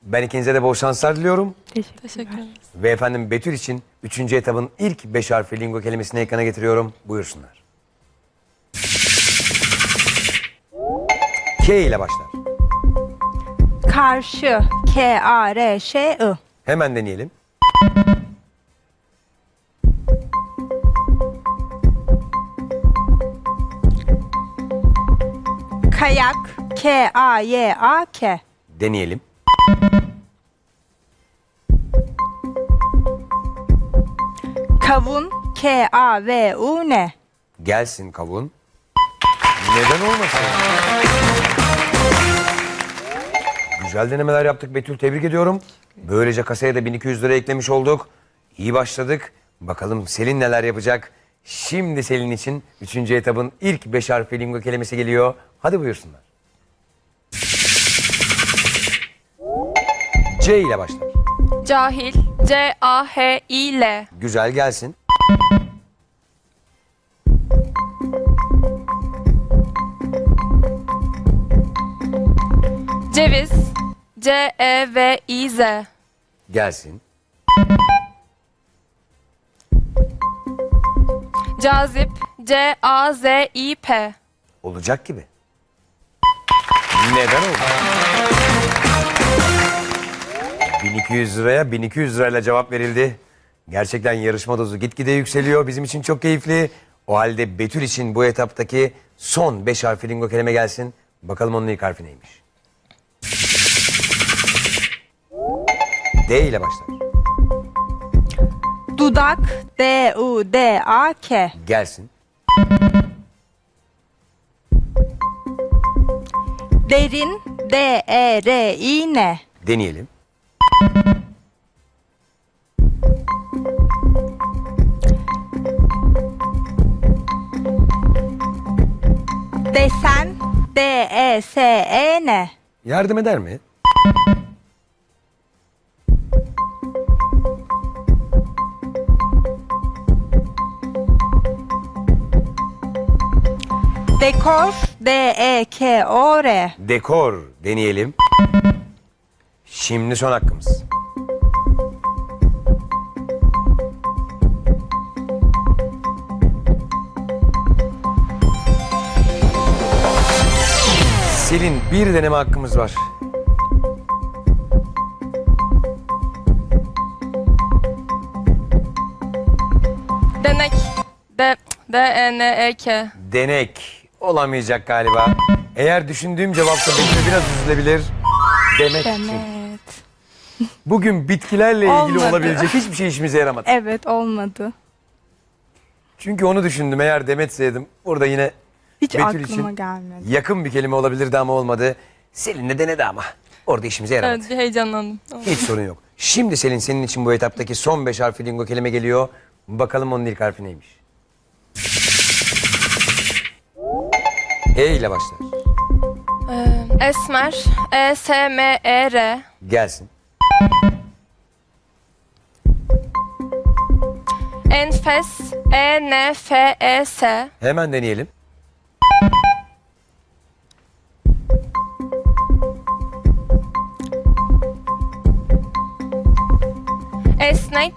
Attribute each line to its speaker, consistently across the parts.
Speaker 1: Ben ikinize de bol şanslar diliyorum.
Speaker 2: Teşekkür ederiz.
Speaker 1: Ve efendim Betül için 3. etabın ilk 5 harfli lingo kelimesini ekrana getiriyorum. Buyursunlar. K ile başlar.
Speaker 3: Karşı. K-A-R-Ş-I.
Speaker 1: Hemen deneyelim.
Speaker 3: Kayak. K-A-Y-A-K.
Speaker 1: Deneyelim.
Speaker 3: Kavun. K-A-V-U-N.
Speaker 1: Gelsin kavun. Neden olmasın? Güzel denemeler yaptık Betül. Tebrik ediyorum. Böylece kasaya da 1200 lira eklemiş olduk. İyi başladık. Bakalım Selin neler yapacak? Şimdi Selin için 3. etabın ilk 5 harfli lingo kelimesi geliyor. Hadi buyursunlar. C ile başlar.
Speaker 2: Cahil. C-A-H-İ-L.
Speaker 1: Güzel gelsin.
Speaker 2: Ceviz. C-E-V-İ-Z.
Speaker 1: Gelsin.
Speaker 2: Cazip. C-A-Z-İ-P.
Speaker 1: Olacak gibi. Neden oldu? 1200 liraya 1200 lirayla cevap verildi. Gerçekten yarışma dozu gitgide yükseliyor. Bizim için çok keyifli. O halde Betül için bu etaptaki son 5 harfli lingo kelime gelsin. Bakalım onun ilk harfi neymiş? D ile başlar.
Speaker 3: Dudak. D-U-D-A-K.
Speaker 1: Gelsin.
Speaker 3: Derin. D-E-R-İ-N.
Speaker 1: Deneyelim.
Speaker 3: Desen. D-E-S-E-N.
Speaker 1: Yardım eder mi?
Speaker 3: Dekor. D-E-K-O-R.
Speaker 1: Dekor deneyelim. Şimdi son hakkımız. Selin bir deneme hakkımız var.
Speaker 2: Denek. D-E-N-E-K.
Speaker 1: Denek olamayacak galiba. Eğer düşündüğüm cevapta Betül biraz üzülebilir. Demek ki.
Speaker 3: Demet.
Speaker 1: Bugün bitkilerle ilgili
Speaker 3: Olmadı.
Speaker 1: olabilecek hiçbir şey işimize yaramadı.
Speaker 3: Evet, olmadı.
Speaker 1: Çünkü onu düşündüm. Eğer Demetseydim burada yine
Speaker 3: Hiç
Speaker 1: Betül
Speaker 3: aklıma
Speaker 1: için
Speaker 3: gelmedi.
Speaker 1: yakın bir kelime olabilirdi ama olmadı. Selin de denedi ama. Orada işimize yaramadı.
Speaker 2: Evet, bir heyecanlandım.
Speaker 1: Hiç sorun yok. Şimdi Selin senin için bu etaptaki son 5 harfli lingo kelime geliyor. Bakalım onun ilk harfi neymiş? E ile başlar.
Speaker 2: Esmer. E-S-M-E-R.
Speaker 1: Gelsin.
Speaker 2: Enfes. E-N-F-E-S.
Speaker 1: Hemen deneyelim.
Speaker 2: Esnek.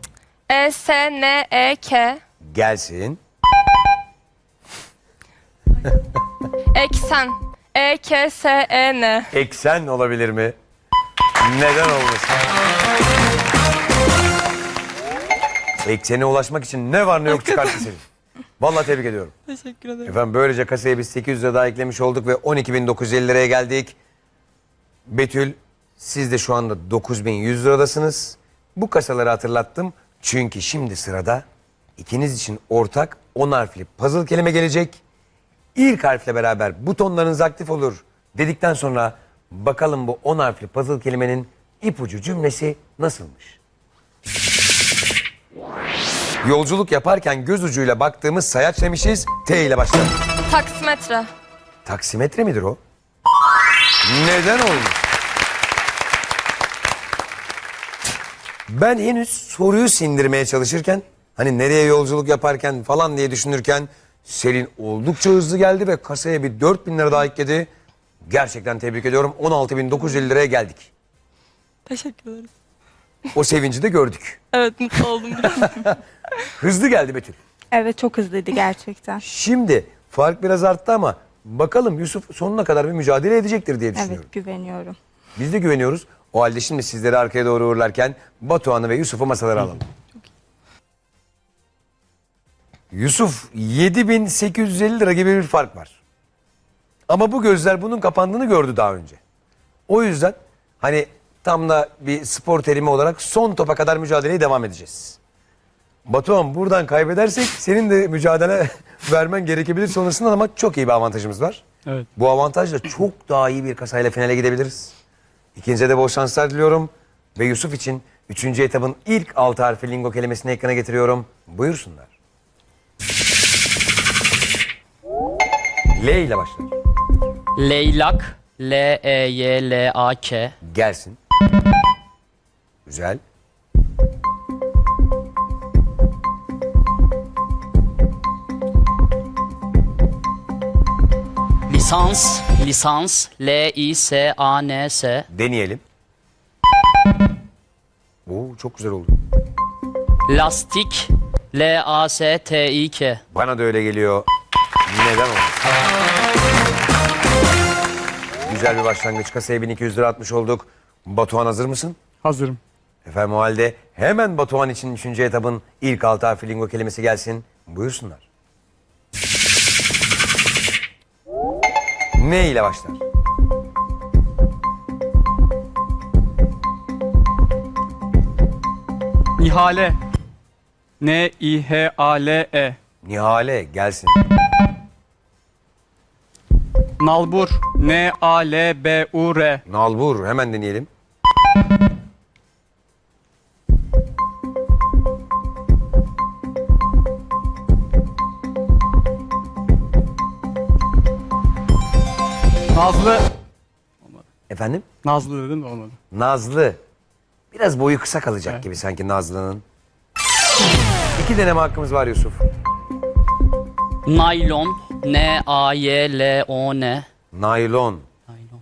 Speaker 2: E-S-N-E-K.
Speaker 1: Gelsin.
Speaker 2: Eksen. E-K-S-E-N.
Speaker 1: Eksen olabilir mi? Neden olmasın? Eksene ulaşmak için ne var ne yok çıkarttı Selin. Vallahi tebrik ediyorum.
Speaker 2: Teşekkür ederim.
Speaker 1: Efendim böylece kasaya biz 800 lira daha eklemiş olduk ve 12.950 liraya geldik. Betül siz de şu anda 9.100 liradasınız. Bu kasaları hatırlattım. Çünkü şimdi sırada ikiniz için ortak 10 harfli puzzle kelime gelecek. İlk harfle beraber butonlarınız aktif olur dedikten sonra bakalım bu 10 harfli puzzle kelimenin ipucu cümlesi nasılmış? Yolculuk yaparken göz ucuyla baktığımız sayaç demişiz. T ile başlar.
Speaker 2: Taksimetre.
Speaker 1: Taksimetre midir o? Neden olmuş? Ben henüz soruyu sindirmeye çalışırken, hani nereye yolculuk yaparken falan diye düşünürken Selin oldukça hızlı geldi ve kasaya bir 4.000 lira daha ekledi. Gerçekten tebrik ediyorum. 16.950 liraya geldik.
Speaker 2: Teşekkür ederiz.
Speaker 1: O sevinci de gördük.
Speaker 2: Evet, mutlu oldum biraz.
Speaker 1: Hızlı geldi Betül.
Speaker 3: Evet, çok hızlıydı gerçekten.
Speaker 1: Şimdi fark biraz arttı ama bakalım Yusuf sonuna kadar bir mücadele edecektir diye düşünüyorum.
Speaker 3: Evet, güveniyorum.
Speaker 1: Biz de güveniyoruz. O halde şimdi sizleri arkaya doğru uğurlarken Batuhan'ı ve Yusuf'u masalara alalım. Yusuf 7.850 lira gibi bir fark var. Ama bu gözler bunun kapandığını gördü daha önce. O yüzden hani tam da bir spor terimi olarak son topa kadar mücadeleye devam edeceğiz. Batuhan buradan kaybedersek senin de mücadele vermen gerekebilir sonrasında ama çok iyi bir avantajımız var.
Speaker 4: Evet.
Speaker 1: Bu avantajla çok daha iyi bir kasayla finale gidebiliriz. İkinciye de bol şanslar diliyorum. Ve Yusuf için 3. etabın ilk 6 harfi lingo kelimesini ekrana getiriyorum. Buyursunlar. L ile başlar.
Speaker 4: Leylak. L-E-Y-L-A-K.
Speaker 1: Gelsin. Güzel.
Speaker 4: Lisans. Lisans. L-I-S-A-N-S.
Speaker 1: Deneyelim. Oo, çok güzel oldu.
Speaker 4: Lastik. L-A-S-T-İ-K.
Speaker 1: Bana da öyle geliyor. Neden olmasın? Güzel bir başlangıç. Kasaya 1200 lira atmış olduk. Batuhan hazır mısın?
Speaker 4: Hazırım.
Speaker 1: Efendim o halde hemen Batuhan için 3. etabın ilk 6 harfi lingo kelimesi gelsin. Buyursunlar. Ne ile başlar?
Speaker 5: Nihale. N-İ-H-A-L-E.
Speaker 1: Nihale gelsin.
Speaker 5: Nalbur. N-A-L-B-U-R.
Speaker 1: Nalbur hemen deneyelim.
Speaker 5: Nazlı.
Speaker 1: Efendim?
Speaker 5: Nazlı dedim de olmadı.
Speaker 1: Nazlı. Biraz boyu kısa kalacak gibi sanki Nazlı'nın. 2 deneme hakkımız var Yusuf.
Speaker 4: Naylon. N-A-Y-L-O-N.
Speaker 1: Naylon.
Speaker 4: Naylon.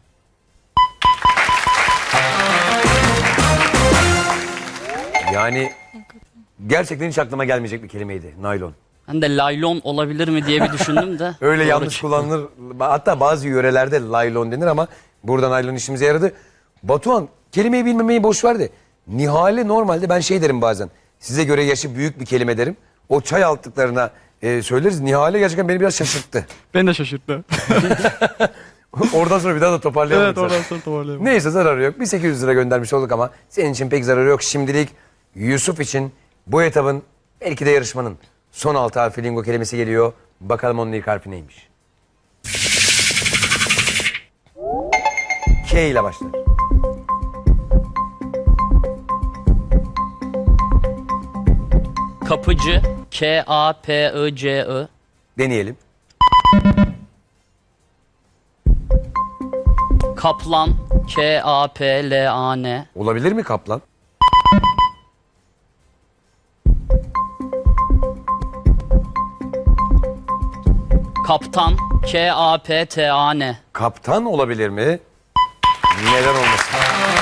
Speaker 1: Yani gerçekten hiç aklıma gelmeyecek bir kelimeydi. Naylon.
Speaker 4: Ben de laylon olabilir mi diye bir düşündüm de.
Speaker 1: Öyle
Speaker 4: Doğru
Speaker 1: yanlış
Speaker 4: çıktı.
Speaker 1: kullanılır. Hatta bazı yörelerde laylon denir ama burada naylon işimize yaradı. Batuhan kelimeyi bilmemeyi boş ver de. Nihale normalde ben şey derim bazen. Size göre yaşı büyük bir kelime derim. O çay altlıklarına söyleriz. Nihale gerçekten beni biraz şaşırttı.
Speaker 5: Beni de şaşırttı.
Speaker 1: Oradan sonra bir daha da toparlayalım.
Speaker 5: Evet,
Speaker 1: zaten.
Speaker 5: oradan sonra toparlayalım.
Speaker 1: Neyse zararı yok. Bir 800 lira göndermiş olduk ama senin için pek zararı yok. Şimdilik Yusuf için bu etabın belki de yarışmanın son 6 harfi lingo kelimesi geliyor. Bakalım onun ilk harfi neymiş? K ile başlar.
Speaker 4: Kapıcı. K-A-P-I-C-I.
Speaker 1: Deneyelim.
Speaker 4: Kaplan. K-A-P-L-A-N.
Speaker 1: Olabilir mi kaplan?
Speaker 4: Kaptan. K-A-P-T-A-N.
Speaker 1: Kaptan olabilir mi? Neden olmasın?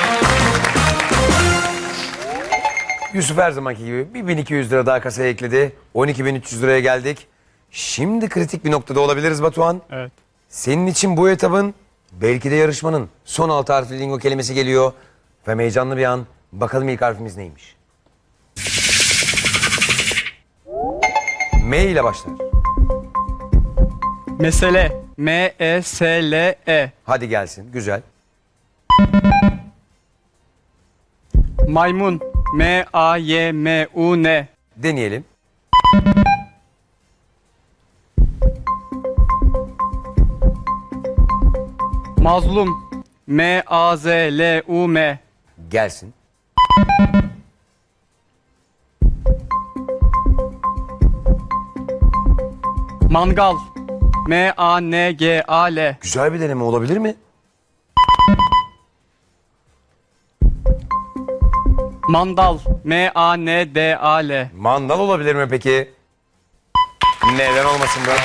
Speaker 1: Yusuf her zamanki gibi bir 1200 lira daha kasaya ekledi. 12.300 liraya geldik. Şimdi kritik bir noktada olabiliriz Batuhan.
Speaker 5: Evet.
Speaker 1: Senin için bu etabın belki de yarışmanın son 6 harfli lingo kelimesi geliyor. Ve heyecanlı bir an. Bakalım ilk harfimiz neymiş? M ile başlar.
Speaker 5: Mesele. M-E-S-L-E.
Speaker 1: Hadi gelsin. Güzel.
Speaker 5: Maymun. M-A-Y-M-U-N.
Speaker 1: Deneyelim.
Speaker 5: Mazlum. M-A-Z-L-U-M.
Speaker 1: Gelsin.
Speaker 5: Mangal. M-A-N-G-A-L.
Speaker 1: Güzel bir deneme olabilir mi?
Speaker 5: Mandal. M-A-N-D-A-L.
Speaker 1: Mandal olabilir mi peki? Neden olmasın be?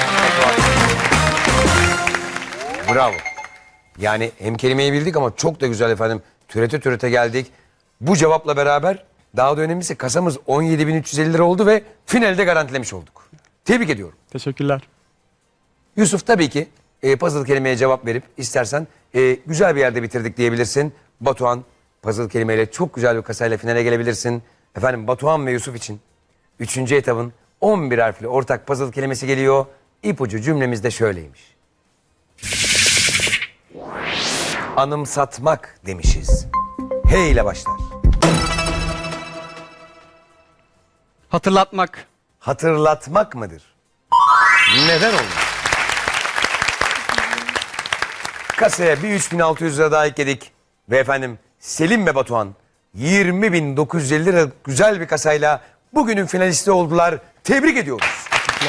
Speaker 1: Bravo. Yani hem kelimeyi bildik ama çok da güzel efendim. Türete türete geldik. Bu cevapla beraber daha da önemlisi kasamız 17.350 lira oldu ve finalde garantilemiş olduk. Tebrik ediyorum.
Speaker 5: Teşekkürler.
Speaker 1: Yusuf tabii ki puzzle kelimeye cevap verip istersen güzel bir yerde bitirdik diyebilirsin. Batuhan puzzle kelimeyle çok güzel bir kasayla finale gelebilirsin. Efendim Batuhan ve Yusuf için 3. etabın 11 harfli ortak puzzle kelimesi geliyor. İpucu cümlemiz de şöyleymiş. Anımsatmak demişiz. H ile başlar.
Speaker 5: Hatırlatmak.
Speaker 1: Hatırlatmak mıdır? Neden oldu? Kasaya bir 3.600 lira daha ekledik. Ve efendim Selim ve Batuhan 20.950 lira güzel bir kasayla bugünün finalisti oldular. Tebrik ediyoruz.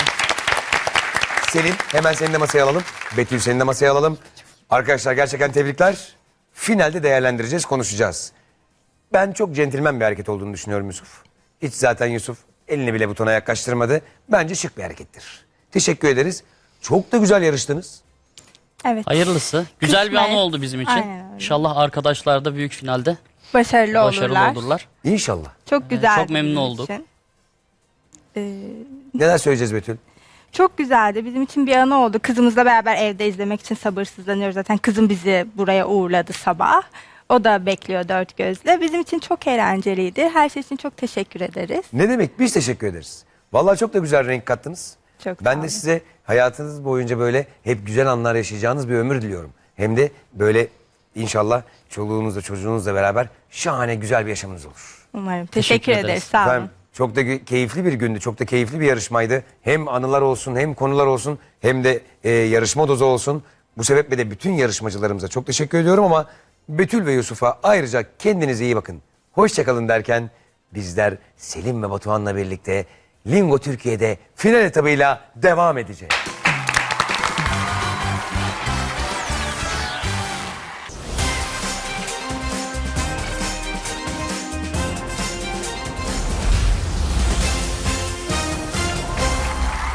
Speaker 1: Selim hemen seni de masaya alalım. Betül seni de masaya alalım. Arkadaşlar gerçekten tebrikler. Finalde değerlendireceğiz, konuşacağız. Ben çok centilmen bir hareket olduğunu düşünüyorum Yusuf. Hiç zaten Yusuf elini bile butona yaklaştırmadı. Bence şık bir harekettir. Teşekkür ederiz. Çok da güzel yarıştınız.
Speaker 3: Evet.
Speaker 4: Hayırlısı. Güzel bir
Speaker 3: Kısmet.
Speaker 4: anı oldu bizim için.
Speaker 3: Aynen öyle.
Speaker 4: İnşallah arkadaşlar da büyük finalde
Speaker 3: Başarılı
Speaker 4: başarılı olurlar.
Speaker 1: İnşallah.
Speaker 3: Çok güzeldi.
Speaker 4: çok memnun
Speaker 3: bizim
Speaker 4: olduk.
Speaker 3: için.
Speaker 1: Neler söyleyeceğiz Betül?
Speaker 3: Çok güzeldi. Bizim için bir anı oldu. Kızımızla beraber evde izlemek için sabırsızlanıyoruz. Zaten kızım bizi buraya uğurladı sabah. O da bekliyor dört gözle. Bizim için çok eğlenceliydi. Her şey için çok teşekkür ederiz.
Speaker 1: Ne demek? Biz teşekkür ederiz. Vallahi çok da güzel renk kattınız.
Speaker 3: Çok sağ
Speaker 1: Ben de
Speaker 3: olun.
Speaker 1: size hayatınız boyunca böyle hep güzel anlar yaşayacağınız bir ömür diliyorum. Hem de böyle inşallah çoluğunuzla çocuğunuzla beraber şahane güzel bir yaşamınız olur.
Speaker 3: Umarım.
Speaker 4: Teşekkür
Speaker 3: Teşekkür
Speaker 4: ederiz.
Speaker 3: ederiz. Sağ olun.
Speaker 1: Efendim, çok da keyifli bir gündü, çok da keyifli bir yarışmaydı. Hem anılar olsun, hem konular olsun, hem de yarışma dozu olsun. Bu sebeple de bütün yarışmacılarımıza çok teşekkür ediyorum ama Betül ve Yusuf'a ayrıca kendinize iyi bakın. Hoşçakalın derken bizler Selim ve Batuhan'la birlikte Lingo Türkiye'de final etabıyla devam edeceğiz.